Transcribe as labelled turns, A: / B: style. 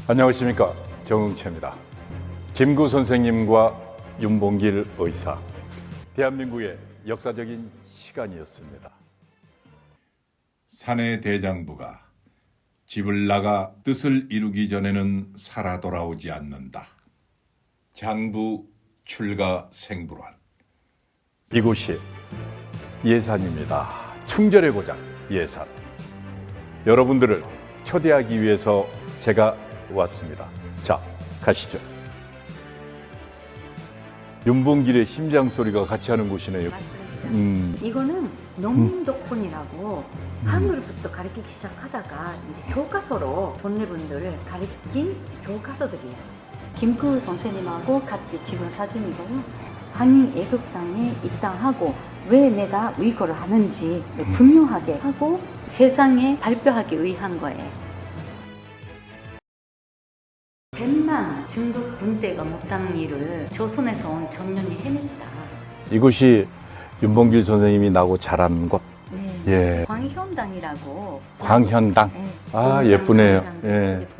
A: 안녕하십니까, 정응채입니다. 김구 선생님과 윤봉길 의사, 대한민국의 역사적인 시간이었습니다.
B: 사내 대장부가 집을 나가 뜻을 이루기 전에는 살아 돌아오지 않는다. 장부 출가 생불환.
A: 이곳이 예산입니다. 충절의 고장 예산. 여러분들을 초대하기 위해서 제가 왔습니다. 자, 가시죠. 윤봉길의 심장 소리가 같이 하는 곳이네요.
C: 맞습니다. 이거는 농민독훈이라고 하늘부터 가르치기 시작하다가 이제 교과서로 돈내분들을 가르친 교과서들이에요. 김구 선생님하고 같이 찍은 사진이고요. 한인 애국당에 입당하고 왜 내가 위거를 하는지 분명하게 하고 세상에 발표하기 위한 거예요. 100만 중국 군대가 못한 일을 조선에서 온 전년이 해냈다.
A: 이곳이 윤봉길 선생님이 나고 자란 곳.
C: 네.
A: 예.
C: 광현당이라고.
A: 광현당.
C: 네.
A: 아,
C: 공장,
A: 예쁘네요.
C: 공장
A: 예.
C: 이렇게